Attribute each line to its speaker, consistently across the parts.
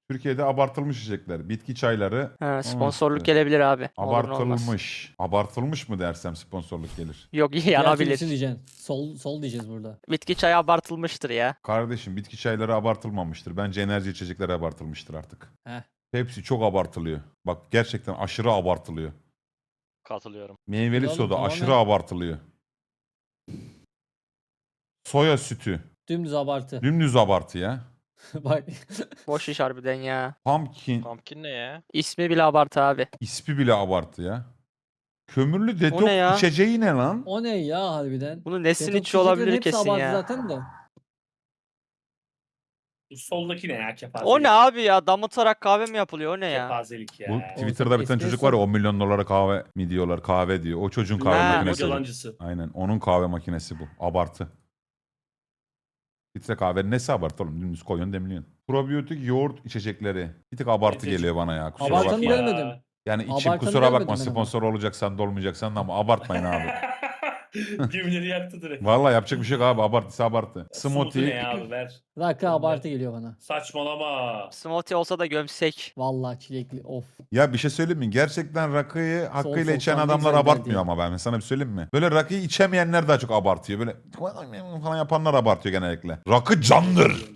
Speaker 1: Türkiye'de abartılmış içecekler. Bitki çayları.
Speaker 2: Ha, sponsorluk
Speaker 1: işte.
Speaker 2: gelebilir abi. Olur ne olmaz.
Speaker 1: Abartılmış. Abartılmış mı dersem sponsorluk gelir.
Speaker 2: Yok
Speaker 3: Diğer
Speaker 2: yanabilir.
Speaker 3: türlüsünü diyeceksin. Sol diyeceğiz burada.
Speaker 2: Bitki çayı abartılmıştır ya.
Speaker 1: Kardeşim bitki çayları abartılmamıştır. Bence enerji içecekleri abartılmıştır artık.
Speaker 3: Heh.
Speaker 1: Hepsi çok abartılıyor. Bak gerçekten aşırı abartılıyor.
Speaker 4: Katılıyorum.
Speaker 1: Meyveli
Speaker 3: Oğlum,
Speaker 1: soda
Speaker 3: tamamen-
Speaker 1: aşırı abartılıyor. Soya sütü.
Speaker 3: Dümdüz abartı.
Speaker 1: Dümdüz abartı ya.
Speaker 3: Bak.
Speaker 2: Boş iş harbiden ya.
Speaker 1: Pumpkin
Speaker 4: Pumpkin ne ya?
Speaker 2: İsmi bile abartı abi.
Speaker 1: ismi bile abartı ya. Kömürlü
Speaker 2: O ne
Speaker 1: detoks
Speaker 2: ya?
Speaker 1: içeceği ne lan?
Speaker 3: O ne ya harbiden?
Speaker 2: Bunu nesin
Speaker 3: Detoks
Speaker 2: içi olabilir
Speaker 3: içeceklerin hepsi
Speaker 2: kesin
Speaker 3: abartı
Speaker 2: ya.
Speaker 3: zaten de.
Speaker 5: Bu soldaki ne ya? Kepazelik.
Speaker 2: O ne abi ya? Damıtarak kahve mi yapılıyor? O ne ya?
Speaker 5: Kepazelik ya.
Speaker 1: Bu
Speaker 3: Oğlum
Speaker 1: Twitter'da bir tane çocuk var ya 10 milyon dolara kahve mi diyorlar, kahve diyor. O çocuğun kahve
Speaker 2: Ha.
Speaker 1: makinesi. bu.
Speaker 5: Yalancısı.
Speaker 1: Aynen onun kahve makinesi bu. Abartı. Filtre kahvenin nesi abartı oğlum? Dümdüz koyuyorsun demliyorsun. Probiyotik yoğurt içecekleri. Bir tık abartı
Speaker 5: Getirci.
Speaker 1: geliyor bana ya. Kusura
Speaker 3: Abartanı
Speaker 1: bakma.
Speaker 3: görmedim.
Speaker 1: Yani içim
Speaker 3: Abartanı
Speaker 1: kusura
Speaker 3: görmedim
Speaker 1: bakma
Speaker 3: ben ama.
Speaker 1: sponsor olacaksan da olmayacaksan da ama abartmayın abi.
Speaker 5: Gemileri yaktı direkt.
Speaker 1: Vallahi yapacak bir şey yok abi. Abartıysa abartı.
Speaker 5: Smoothie ne
Speaker 1: Smoothie.
Speaker 5: ya abi ver.
Speaker 3: Rakı abartı geliyor bana.
Speaker 5: Saçmalama.
Speaker 2: Smoothie olsa da gömsek.
Speaker 3: Vallahi çilekli of.
Speaker 1: Ya bir şey söyleyeyim mi? Gerçekten rakıyı hakkıyla
Speaker 3: sol
Speaker 1: içen
Speaker 3: tam ne
Speaker 1: adamlar
Speaker 3: güzel
Speaker 1: abartmıyor
Speaker 3: derdi.
Speaker 1: ama ben sana bir söyleyeyim mi? Böyle rakıyı içemeyenler daha çok abartıyor. Böyle falan yapanlar abartıyor genellikle. Rakı candır.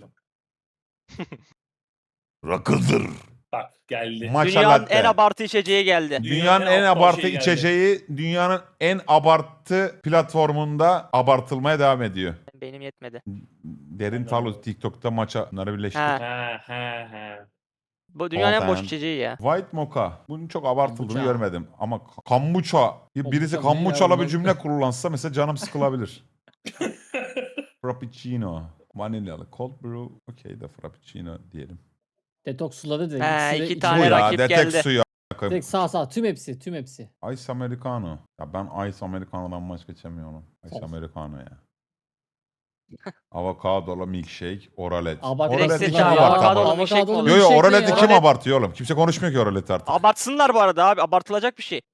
Speaker 1: Rakıdır.
Speaker 5: Bak geldi.
Speaker 1: Matcha
Speaker 2: Dünyanın
Speaker 1: latte.
Speaker 2: en abartı içeceği geldi.
Speaker 1: Dünyanın en
Speaker 5: aptal
Speaker 1: abartı
Speaker 5: şey geldi.
Speaker 1: içeceği dünyanın en abartı platformunda abartılmaya devam ediyor.
Speaker 2: Benim yetmedi.
Speaker 1: Derin Talu TikTok'ta maça bunları birleştir.
Speaker 2: Ha.
Speaker 5: He.
Speaker 2: Bu dünyanın en boş
Speaker 1: Olden.
Speaker 2: içeceği ya.
Speaker 1: White Mocha. Bunun çok abartıldığını
Speaker 3: Kombucha.
Speaker 1: görmedim. Ama kombucha. Birisi
Speaker 3: Kombucha ne ya
Speaker 1: kombuchalı bir
Speaker 3: bunlar?
Speaker 1: cümle kullansa mesela canım sıkılabilir. Frappuccino. Vanilyalı. Cold brew. Okey de frappuccino diyelim.
Speaker 3: Detoks suları direkt.
Speaker 2: He,
Speaker 3: İkisi de
Speaker 2: iki
Speaker 3: içi-
Speaker 1: Bu
Speaker 2: tane
Speaker 1: ya
Speaker 2: rakip
Speaker 1: detek
Speaker 2: geldi.
Speaker 1: suyu.
Speaker 3: Direkt sağ tüm hepsi.
Speaker 1: Ice Americano. Ya ben Ice Americano'dan başka içemiyorum. Ice
Speaker 3: Of.
Speaker 1: Americano ya. Avokadolu milkshake, oralet.
Speaker 3: Abartı.
Speaker 2: Direkt
Speaker 1: Oralet
Speaker 2: seç
Speaker 1: kim
Speaker 2: abi,
Speaker 1: abartı
Speaker 2: avokadolu
Speaker 1: ama?
Speaker 2: milkshake mi olur?
Speaker 1: Yo yo
Speaker 3: milkshake ne
Speaker 1: oraleti
Speaker 3: ya?
Speaker 1: kim
Speaker 2: Oralet-
Speaker 1: abartıyor oğlum? Kimse konuşmuyor ki oralet artık.
Speaker 2: Abartsınlar bu arada abi. Abartılacak bir şey.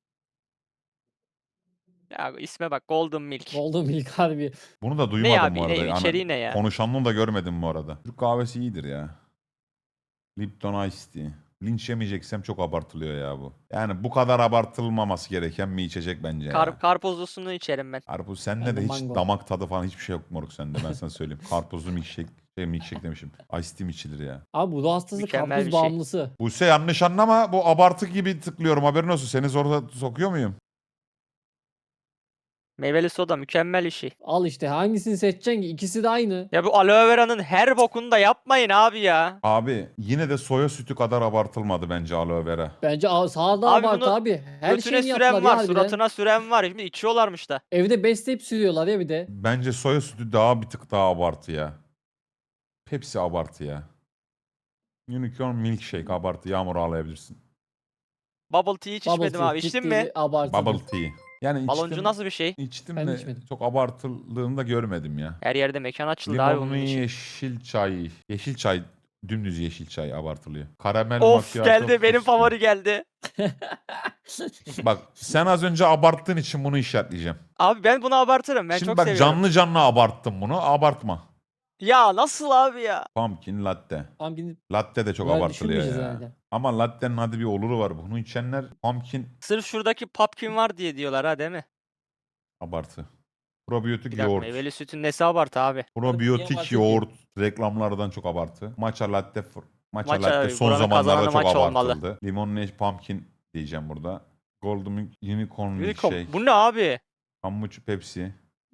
Speaker 2: Ya isme bak Golden Milk.
Speaker 3: Golden Milk harbi.
Speaker 1: Bunu da
Speaker 2: Ne
Speaker 1: duymadım
Speaker 2: abi?
Speaker 1: bu arada.
Speaker 2: Ne, içeriği ne ya?
Speaker 1: Konuşanını da görmedim bu arada. Türk kahvesi iyidir ya. Lipton Ice Tea. Linç yemeyeceksem çok abartılıyor ya bu. Yani bu kadar abartılmaması gereken bir içecek bence ya.
Speaker 2: Karpuzlusunu içerim ben.
Speaker 1: Karpuz sende
Speaker 3: Ben
Speaker 1: de
Speaker 3: de
Speaker 1: hiç
Speaker 3: mango.
Speaker 1: damak tadı falan hiçbir şey yok moruk sende ben sana söyleyeyim. Karpuzlu milkshake demişim. Ice tea mi içilir ya?
Speaker 3: Abi bu ruh hastası
Speaker 2: Mükemmel
Speaker 3: karpuz
Speaker 2: bir şey.
Speaker 3: bağımlısı.
Speaker 1: Buse yanlış anlama bu abartı gibi tıklıyorum haberin olsun. Seni zor sokuyor muyum?
Speaker 2: Meyveli soda mükemmel işi.
Speaker 3: Al işte hangisini seçeceksin ki? İkisi de aynı.
Speaker 2: Ya bu aloe vera'nın her bokunu da yapmayın abi ya.
Speaker 1: Abi yine de soya sütü kadar abartılmadı bence aloe vera.
Speaker 3: Bence sağda
Speaker 2: Abi
Speaker 3: abartı
Speaker 2: bunu
Speaker 3: abi. Her
Speaker 2: Götüne
Speaker 3: şeyini
Speaker 2: süren
Speaker 3: yaptılar
Speaker 2: var,
Speaker 3: ya harbiden.
Speaker 2: suratına süren var. Şimdi içiyorlarmış da.
Speaker 3: Evde besleyip sürüyorlar ya bir de.
Speaker 1: Bence soya sütü daha bir tık daha abartı ya. Pepsi abartı ya. Unicorn milkshake abartı yağmur ağlayabilirsin.
Speaker 2: Bubble tea hiç
Speaker 3: Bubble
Speaker 2: içmedim
Speaker 3: tea
Speaker 2: abi. İçtin
Speaker 3: ciddi
Speaker 2: mi?
Speaker 3: abartıdır.
Speaker 1: Bubble tea. Yani
Speaker 2: Baloncu
Speaker 1: içtim,
Speaker 2: nasıl bir şey?
Speaker 1: içtim
Speaker 3: Ben
Speaker 1: de
Speaker 3: içmedim.
Speaker 1: çok abartıldığını da görmedim ya.
Speaker 2: Her yerde mekan açıldı abi
Speaker 1: Limonlu
Speaker 2: bunun için.
Speaker 1: yeşil çay. Yeşil çay. Dümdüz yeşil çay abartılıyor. Karamel
Speaker 2: Of
Speaker 1: macchiato
Speaker 2: geldi benim
Speaker 1: fıstığı.
Speaker 2: favori geldi.
Speaker 1: Bak sen az önce abarttığın için bunu işaretleyeceğim.
Speaker 2: Abi ben bunu abartırım. Ben
Speaker 1: Şimdi
Speaker 2: çok
Speaker 1: bak
Speaker 2: seviyorum.
Speaker 1: canlı abarttım bunu. Abartma.
Speaker 2: Ya nasıl abi ya?
Speaker 1: Pumpkin latte.
Speaker 3: Pumpkin
Speaker 1: Latte de çok
Speaker 3: Bunları
Speaker 1: abartılıyor
Speaker 3: düşünmeyeceğiz
Speaker 1: ya.
Speaker 3: herhalde.
Speaker 1: Ama latte'nin hadi bir oluru var. Bunu içenler pumpkin
Speaker 2: Sırf şuradaki pumpkin var diye diyorlar ha değil mi?
Speaker 1: abartı. Probiyotik
Speaker 2: Bir dakika
Speaker 1: yoğurt.
Speaker 2: meyveli sütün nesi abartı abi?
Speaker 1: Probiyotik
Speaker 3: abartı
Speaker 1: yoğurt reklamlardan çok abartı. Matcha latte
Speaker 2: Matcha,
Speaker 1: latte son
Speaker 2: buranın
Speaker 1: zamanlarda
Speaker 2: kazananı
Speaker 1: çok
Speaker 2: matcha olmalı.
Speaker 1: abartıldı. Limonlu pumpkin diyeceğim burada. Golden Unicorn
Speaker 2: Unicorn.
Speaker 1: milkshake.
Speaker 2: Bu ne abi?
Speaker 1: Kambuç Pepsi.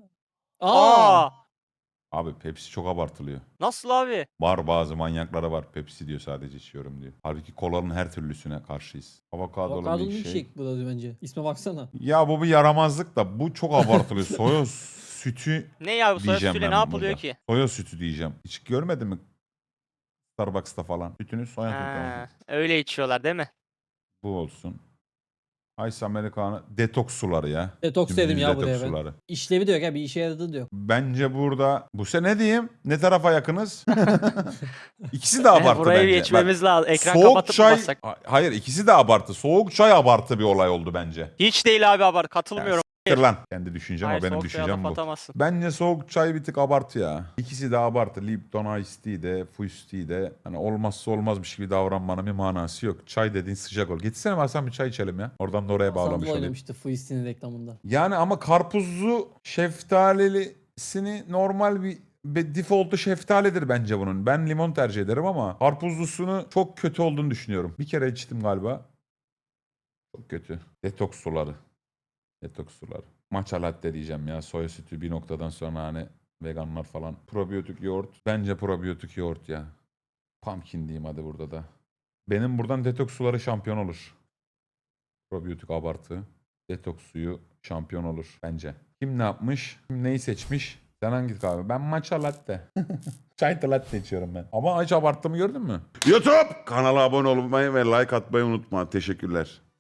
Speaker 3: Aa!
Speaker 1: Abi Pepsi çok abartılıyor.
Speaker 2: Nasıl abi?
Speaker 1: Var bazı manyaklara var. Pepsi diyor sadece içiyorum diyor. Halbuki kolanın her türlüsüne karşıyız. Avokadolu
Speaker 3: Avokadolu
Speaker 1: milkshake.
Speaker 3: milkshake bu da bence. İsme baksana.
Speaker 1: Ya bu bir yaramazlık da bu çok abartılıyor. Soya sütü
Speaker 2: Ne ya bu soya
Speaker 1: diyeceğim
Speaker 2: sütüyle
Speaker 1: ben
Speaker 2: ne yapılıyor
Speaker 1: burada.
Speaker 2: ki?
Speaker 1: Soya sütü diyeceğim. Hiç görmedin mi? Starbucks'ta falan. Sütünü soya sütü
Speaker 2: Ha,
Speaker 1: olsun.
Speaker 2: öyle içiyorlar değil mi?
Speaker 1: Bu olsun. Ice Americano detoks suları ya.
Speaker 3: Detoks
Speaker 1: Dümdüz
Speaker 3: dedim ya buraya
Speaker 1: detoks
Speaker 3: ben.
Speaker 1: suları.
Speaker 3: İşlevi de yok ya bir işe yaradığı da yok.
Speaker 1: Bence burada bu ne diyeyim? Ne tarafa yakınız? İkisi de abartı
Speaker 2: Burayı
Speaker 1: bence.
Speaker 2: geçmemiz lazım. Ekran
Speaker 1: Soğuk
Speaker 2: kapatıp
Speaker 1: çay...
Speaker 2: bassak.
Speaker 1: Hayır ikisi de abartı. Soğuk çay abartı bir olay oldu bence.
Speaker 2: Hiç değil abi abart. Katılmıyorum.
Speaker 1: Lan. Kendi düşüncem ama
Speaker 2: Hayır,
Speaker 1: benim
Speaker 2: soğuk suya
Speaker 1: düşüncem
Speaker 2: laf
Speaker 1: bu.
Speaker 2: atamazsın.
Speaker 1: Bence soğuk çay bir tık abartı ya. İkisi de abartı. Lipton Ice Tea de, Fuyz Tea de. Hani olmazsa olmazmış gibi davranmanın bir manası yok. Çay dediğin sıcak ol. Gitsene Hasan bir çay içelim ya. Oradan da oraya bağlamış
Speaker 3: Hasan
Speaker 1: olayım.
Speaker 3: oynamıştı Fuistin'in reklamında.
Speaker 1: Yani ama karpuzlu şeftalilisini normal bir default'u şeftalidir bence bunun. Ben limon tercih ederim ama karpuzlusunu çok kötü olduğunu düşünüyorum. Bir kere içtim galiba. Çok kötü. Detoks suları. Detoks suları. Matcha latte diyeceğim ya. Soya sütü bir noktadan sonra hani veganlar falan. Probiyotik yoğurt. Bence probiyotik yoğurt ya. Pumpkin diyeyim hadi burada da. Benim buradan detoks suları şampiyon olur. Probiyotik abartı. Detoks suyu şampiyon olur bence. Kim ne yapmış? Kim neyi seçmiş? Sen hangi kahve? Ben matcha latte. Çay latte içiyorum ben. Ama hiç abarttığımı gördün mü?
Speaker 6: YouTube kanala abone olmayı ve like atmayı unutma. Teşekkürler.